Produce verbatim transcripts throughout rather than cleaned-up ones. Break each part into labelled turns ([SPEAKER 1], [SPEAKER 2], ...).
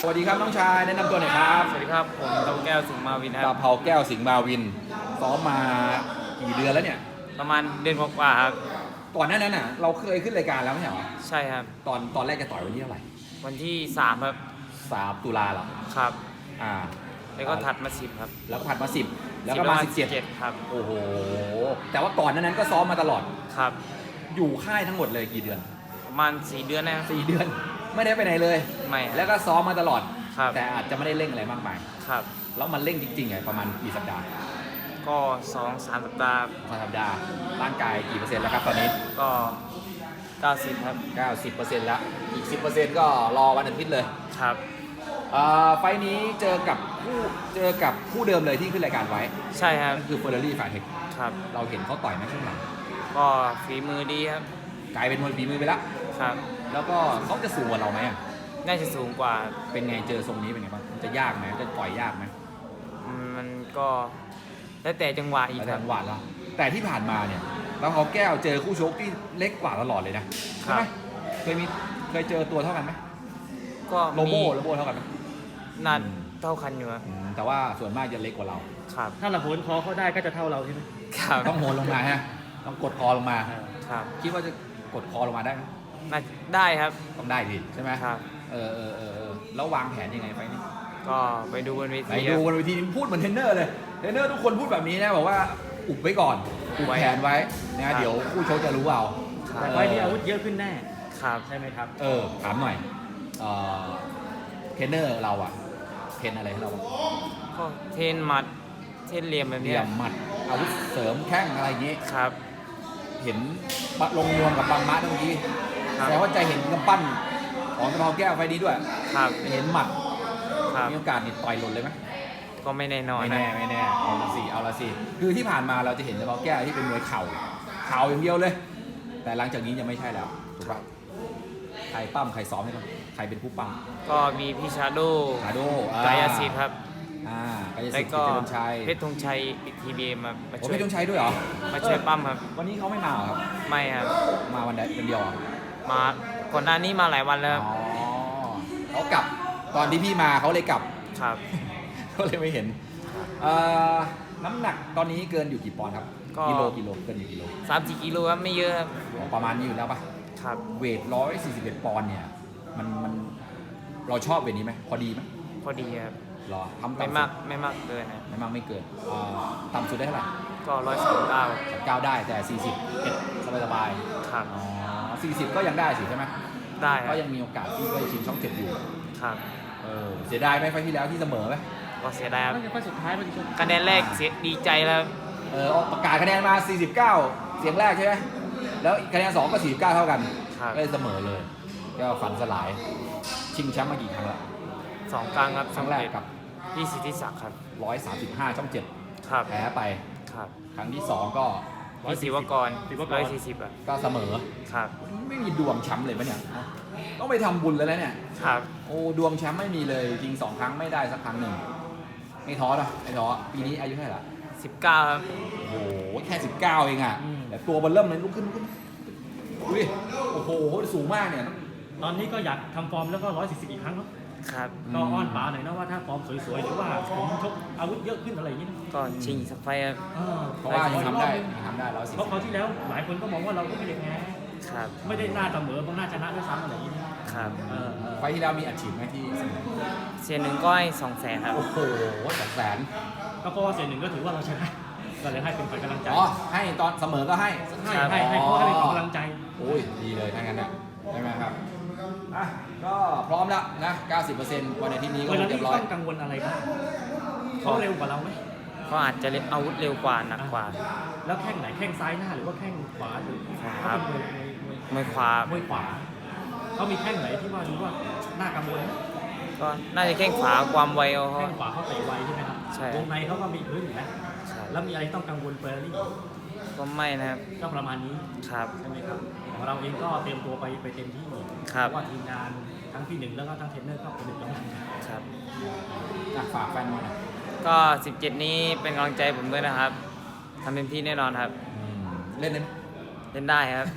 [SPEAKER 1] วัสดีครับน้องชายแนะนำตัวหน่อยครับ
[SPEAKER 2] สวัสดีครับผมตองแก้วสิงห์มาวินค
[SPEAKER 1] ตา
[SPEAKER 2] รับ
[SPEAKER 1] เผาแก้วสิงห์มาวินซ้อมมากี่เดือนแล้วเนี่ย
[SPEAKER 2] ประมาณเดือนกว่าๆครับ
[SPEAKER 1] ก่อนหน้านั้นน่ะเราเคยขึ้นรายการแล้วไม่ใช่เหรอ
[SPEAKER 2] ใช่ครับ
[SPEAKER 1] ตอนตอนแรกจะต่อยวันที่เท่าไหร่
[SPEAKER 2] วันที่สามครับ
[SPEAKER 1] สามตุลาเหรอ
[SPEAKER 2] ครับ
[SPEAKER 1] อ่า
[SPEAKER 2] แล้วก็ถัดมาสิบครับ
[SPEAKER 1] แล้วก็ผัดมาสิบแล้วก็มาสิบเจ็ด
[SPEAKER 2] ครับ
[SPEAKER 1] โอ้โหแต่ว่าก่อนหน้านั้นก็ซ้อมมาตลอด
[SPEAKER 2] ครับ
[SPEAKER 1] อยู่ค่ายทั้งหมดเลยกี่เดือน
[SPEAKER 2] ประมาณสี่เดือนนะครับ
[SPEAKER 1] สี่เดือนไม่ได้ไปไหนเลย
[SPEAKER 2] ไม่ครับ
[SPEAKER 1] แล้วก็ซ้อมมาตลอด
[SPEAKER 2] ครับ
[SPEAKER 1] แต่อาจจะไม่ได้เร่งอะไรมากมาย
[SPEAKER 2] ครับ
[SPEAKER 1] แล้วมันเร่งจริงๆไงประมาณกี่สัปดาห์
[SPEAKER 2] ก็สองสามสัปดาห์
[SPEAKER 1] สองสัปดาห์ร่างกายกี่เปอร์เซ็นต์แล้วครับตอนนี้
[SPEAKER 2] ก็เก้าสิบครับ
[SPEAKER 1] เก้าสิบเปอร์เซ็นต์แล้วอีกสิบเปอร์เซ็นต์ก็รอวันอาทิตย์เลย
[SPEAKER 2] ครับ
[SPEAKER 1] เอ่อไฟล์นี้เจอกับผู้เจอกับผู้เดิมเลยที่ขึ้นรายการไว้
[SPEAKER 2] ใช่ครับ
[SPEAKER 1] นั่นคือเฟอร์รารี่ฝ่ายเทค
[SPEAKER 2] ครับ
[SPEAKER 1] เราเห็นเขาต่อยไหมช่วงหลัง
[SPEAKER 2] ก็ฝีมือดีครับ
[SPEAKER 1] กลายเป็นมวยฝีมือไปแล้ว
[SPEAKER 2] ครับ
[SPEAKER 1] แล้วก็เขาจะสูงกว่าเราไหมอะ
[SPEAKER 2] น่าจะสูงกว่า
[SPEAKER 1] เป็นไงเจอทรงนี้เป็นไงบ้างมันจะยากไหมจะต่อยยากไหม
[SPEAKER 2] อืมมันก็แล้วแต่จังหวะอีก
[SPEAKER 1] แล้ว
[SPEAKER 2] ค
[SPEAKER 1] แต่
[SPEAKER 2] รับ
[SPEAKER 1] หวาดแล้วแต่ที่ผ่านมาเนี่ยแล้วเขาแก้วเจอคู่ชกที่เล็กกว่าตลอดเลยนะใช่ไหมเคยมีเคยเจอตัวเท่ากันไหม
[SPEAKER 2] ก็
[SPEAKER 1] โล
[SPEAKER 2] มี
[SPEAKER 1] โบ้โลโบ้เท่ากันไหม
[SPEAKER 2] นัดเท่ากันอยู่ครับ
[SPEAKER 1] อืมแต่ว่าส่วนมากจะเล็กกว่าเรา
[SPEAKER 2] ครับ
[SPEAKER 3] ถ้าเราโหนคอเขาได้ก็จะเท่าเราใช่ไหม
[SPEAKER 2] ครับ
[SPEAKER 1] ต้องโหนลงมาฮะต้องกดคอลงมา
[SPEAKER 2] ครับ
[SPEAKER 1] คิดว่าจะกดคอลงมาได้ไหม
[SPEAKER 2] น่าได้ครับ
[SPEAKER 1] ต้องได้ดิใช่ไหม
[SPEAKER 2] ครับ
[SPEAKER 1] เออเออเออเออแล้ววางแผนยังไงไฟล์นี้
[SPEAKER 2] ก็ไปดูบนเว
[SPEAKER 1] ไป
[SPEAKER 2] ที
[SPEAKER 1] ดู
[SPEAKER 2] ครับ
[SPEAKER 1] บนเวทีพูดเหมือนเทรนเนอร์เลยเทรนเนอร์ทุกคนพูดแบบนี้นะบอกว่าอุบไว้ก่อนอุบ
[SPEAKER 2] ไว้
[SPEAKER 1] แผนไว้นะเดี๋ยวคู่ชกจะรู้เอา
[SPEAKER 2] ครับ
[SPEAKER 3] แต่ไฟล์นี้อาวุธเยอะขึ้นแน่
[SPEAKER 2] ครับ
[SPEAKER 3] ใช่ไหมครับ
[SPEAKER 1] เออถามหน่อยเอ่อเทรนเนอร์เราอะเทรนอะไรให้เราบ้าง
[SPEAKER 2] ก็เทรนหมัดเทรนเหลี่ยมแบบ
[SPEAKER 1] เห
[SPEAKER 2] นี้
[SPEAKER 1] ลี่ยมหมัดอาวุธเสริมแข้งอะไรอย่างงี้
[SPEAKER 2] ครับ
[SPEAKER 1] เห็นปะลงนวมกับบางมะเมื่อกี้
[SPEAKER 2] ครับ
[SPEAKER 1] แต่ว่าใจเห็นกำปั้นของตะเภาแก้วไฟล์นี้ด้วย
[SPEAKER 2] ครับ
[SPEAKER 1] เห็นหมัด
[SPEAKER 2] ครับ
[SPEAKER 1] มีโอกาสนี่ต่อยหล่นเลยไหม
[SPEAKER 2] ก็ไม่แน่นอน
[SPEAKER 1] ไม่
[SPEAKER 2] นะ
[SPEAKER 1] แน่ไม่แน่เอาละสิเอาละสิคือที่ผ่านมาเราจะเห็นเฉพาะแก้วที่เป็นมวยเข่าเข่าอย่างเดียวเลย แต่หลังจากนี้จะไม่ใช่แล้วถูกป่ะใครปั้มใครซ้อมให้บ้างใครเป็นผู้ปั้ม
[SPEAKER 2] ก็มีพี่ชาโด
[SPEAKER 1] ชาโด
[SPEAKER 2] กายสิทธิ์ครับ
[SPEAKER 1] อ่ากาย
[SPEAKER 2] แล้
[SPEAKER 1] สิ
[SPEAKER 2] ว
[SPEAKER 1] ทธิ์
[SPEAKER 2] ก็
[SPEAKER 1] กิตติชัย
[SPEAKER 2] เพชรธงชัยอีกทีบีมามา
[SPEAKER 1] โอ้
[SPEAKER 2] ช่วย
[SPEAKER 1] พี่ต้องใช้ด้วยเหรอ
[SPEAKER 2] มาช่วยปั้มครับ
[SPEAKER 1] วันนี้เขาไม่มาเหรอครับ
[SPEAKER 2] ไม่ครับ
[SPEAKER 1] มาวันใดวันเดียวเหรอ
[SPEAKER 2] มาก่อนหน้านี้มาหลายวันแล้วครับ
[SPEAKER 1] อ๋อเขากลับตอนที่พี่มาเขาเลยกลับ
[SPEAKER 2] ครับ
[SPEAKER 1] ก็เลยไม่เห็นเอ่อน้ำหนักตอนนี้เกินอยู่กี่ปอนด์ครับ
[SPEAKER 2] ก็
[SPEAKER 1] กิโลกิโลเกินอยู่กิโล
[SPEAKER 2] สามสี่กิโลครับไม่เยอะครับ
[SPEAKER 1] อ๋อประมาณนี้อยู่แล้วปะ
[SPEAKER 2] ครับ
[SPEAKER 1] เวทร้อยสี่สิบเอ็ดปอนด์เนี่ยมันมันเราชอบเวทนี้ไหมพอดีไหม
[SPEAKER 2] พอดีครับ
[SPEAKER 1] หรอทำ
[SPEAKER 2] ไม่
[SPEAKER 1] ต่ำ
[SPEAKER 2] มา
[SPEAKER 1] สุ
[SPEAKER 2] ก
[SPEAKER 1] ด
[SPEAKER 2] ไม่มากเกินนะ
[SPEAKER 1] ไม่มากไม่เกินเอ่อต่ำสุดได้เท่าไหร่
[SPEAKER 2] ก็ร้อยสามเก้า
[SPEAKER 1] สามเก้าได้แต่สี่สิบเอ็ดสบายสบาย
[SPEAKER 2] ครับ
[SPEAKER 1] อ๋อสี่สิบก็ยังได้สิใช่ไหม
[SPEAKER 2] ได้ค
[SPEAKER 1] ก็
[SPEAKER 2] รับ
[SPEAKER 1] ยังมีโอกาสที่ได้ชิงช่องเจ็ดอยู่
[SPEAKER 2] ครับ
[SPEAKER 1] เออเสียดายไหมไฟล์ที่แล้วที่เสมอไหม
[SPEAKER 2] ก็เสียดายครับ
[SPEAKER 3] ไม่ใช่ไฟล์สุดท้ายเมื่อกี้ชก
[SPEAKER 2] คะแนนแรกเสียดีใจแล้ว
[SPEAKER 1] เออประกาศคะแนนมาสี่สิบเก้าเสียงแรกใช่ไหมแล้วคะแนนสองก็สี่สิบเก้าเท่ากัน
[SPEAKER 2] ครับ
[SPEAKER 1] ก็เลยเสมอเลยก็ฝันสลายชิงแชมป์มากี่ครั้งแล้ว
[SPEAKER 2] สองครั้งครับ
[SPEAKER 1] ครั้งแรกกับ
[SPEAKER 2] พี่สิทธิศักดิ์ครับ
[SPEAKER 1] ร้อยสามสิบห้าช่องเจ็ด
[SPEAKER 2] ครับ
[SPEAKER 1] แพ้ไป
[SPEAKER 2] ครับ
[SPEAKER 1] ครั้งที่สองก็
[SPEAKER 2] พี่ศิวกรร้อยสี่สิบอ่ะ
[SPEAKER 1] ก็เสมอ
[SPEAKER 2] ครับ
[SPEAKER 1] ไม่มีดวงแชมป์เลยปะเนี่ยต้องไปทำบุญเลยแล้วเนี่ย
[SPEAKER 2] ครับ
[SPEAKER 1] โอ้ดวงแชมป์ไม่มีเลยจริงสองครั้งไม่ได้สักครั้งหนึ่งไม่ท้อนะไม่ท้อปีนี้อายุเท่าไหร่ละ
[SPEAKER 2] สิบเก้าครับ
[SPEAKER 1] โอ้โหแค่สิบเก้าเองอ่ะแต่ตัวเบอลเริ่มเลยลุกขึ้นลุกขึ้นดูดิโอ้โหสูงมากเนี่ย
[SPEAKER 3] ตอนนี้ก็อยากทำฟอร์มแล้วก็ร้อยสี่สิบอีกครั้งเนาะ
[SPEAKER 2] ครับ
[SPEAKER 3] ก็อ้อนป๋าหน่อยนะว่าถ้าฟอร์มสวยๆหรือว่าผมชกอาวุธเยอะขึ้นอะไรอย่างนี้นะ
[SPEAKER 2] ก็ชิงสักไฟครับ
[SPEAKER 3] เออ
[SPEAKER 1] เพราะว่ายังทำได้ยังทำได้ร้อยสี่
[SPEAKER 3] เพ
[SPEAKER 1] สิ
[SPEAKER 3] ราะ
[SPEAKER 1] บ
[SPEAKER 3] คราวที่แล้วหลายคนก็มองว่าเราก็ไม่ได้แพ้
[SPEAKER 2] ครับ
[SPEAKER 3] ไม่ได้น่าเสมอบางน่าชนะด้วยซ้ำอะไรอย่างนี้นะครับ เออเออ
[SPEAKER 1] ไฟล์ที่แล้วมีอัดฉีดไหมที่เสมอ
[SPEAKER 2] เสียหนึ่งก็ให้สองแสนครับ
[SPEAKER 1] โอ้โหสองแสน
[SPEAKER 3] ก็เพราะว่าเสียหนึ่งก็ถือว่าเราชนะก็เลยให้เป็นฝ่ายกำลังใจ
[SPEAKER 1] อ๋อให้ตอนเสมอก็ให้
[SPEAKER 3] ให้ให้ให้เพราะว่าให้เป็นกำลังใจ
[SPEAKER 1] โอ้ยดีเลยถ้างั้นน่ะใช่ไหมครับอ่ะก็พร้อมแล้วนะ เก้าสิบเปอร์เซ็นต์ วันอาทิตย์นี้ก็
[SPEAKER 3] เวลา
[SPEAKER 1] เรี
[SPEAKER 3] นี้
[SPEAKER 1] ยบร้อย
[SPEAKER 3] ต้องกังวลอะไรบ้างเขาเร็วกว่าเราไหม
[SPEAKER 2] ก็อาจจะเล่นอาวุธเร็วกว่าหนักกว่า
[SPEAKER 3] แล้วแข้งไหนแข้งซ้ายหน้าหรือว่าแข้งขวาหรือ
[SPEAKER 2] ครั
[SPEAKER 3] เขา
[SPEAKER 2] บ
[SPEAKER 3] เป็นมวยมวยมวย
[SPEAKER 2] มวยขวาม
[SPEAKER 3] วยขวาเขามีแข้งไหนที่ว่ารู้ว่าน่ากังวลไหม
[SPEAKER 2] ก็น่าจะแข้งขวาความไวเอาเขา
[SPEAKER 3] แข้งขวาเขาเตะไวใช่ไหมครับ
[SPEAKER 2] ใช่
[SPEAKER 3] วงในเขาก็มีพื้นอยู่นะ
[SPEAKER 2] ครับ
[SPEAKER 3] แล้วมีอะไรต้องกังวลเฟอร์รี่
[SPEAKER 2] ก็ไม่นะครับ
[SPEAKER 3] ก็ประมาณนี้
[SPEAKER 2] ครับ
[SPEAKER 3] ใช่ไหมครับของเราเองก็เตรียมตัวไปไปเต็มที่
[SPEAKER 2] ครับ
[SPEAKER 3] เพราะว่าทีมงานทั้งพี่หนึ่งแล้วก็ทั้งเทรนเนอร์ก็เป็นหนึ่งกำลังใจ
[SPEAKER 2] ครับ
[SPEAKER 1] อ่ะฝากแฟนมวยหน่อย
[SPEAKER 2] ก็สิบเจ็ดนี้เป็นกำลังใจผมด้วยนะครับทำเต็มที่แน่นอนครับ
[SPEAKER 1] อืมเล่นได้ไหม
[SPEAKER 2] เล่นได้ครับ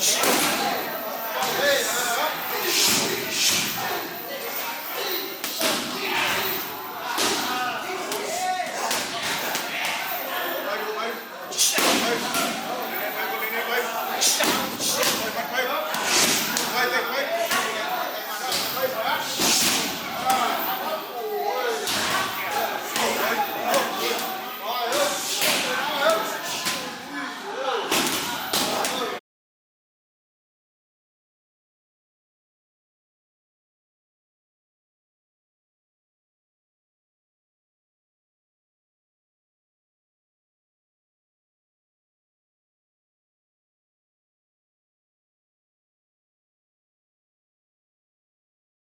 [SPEAKER 4] Hey,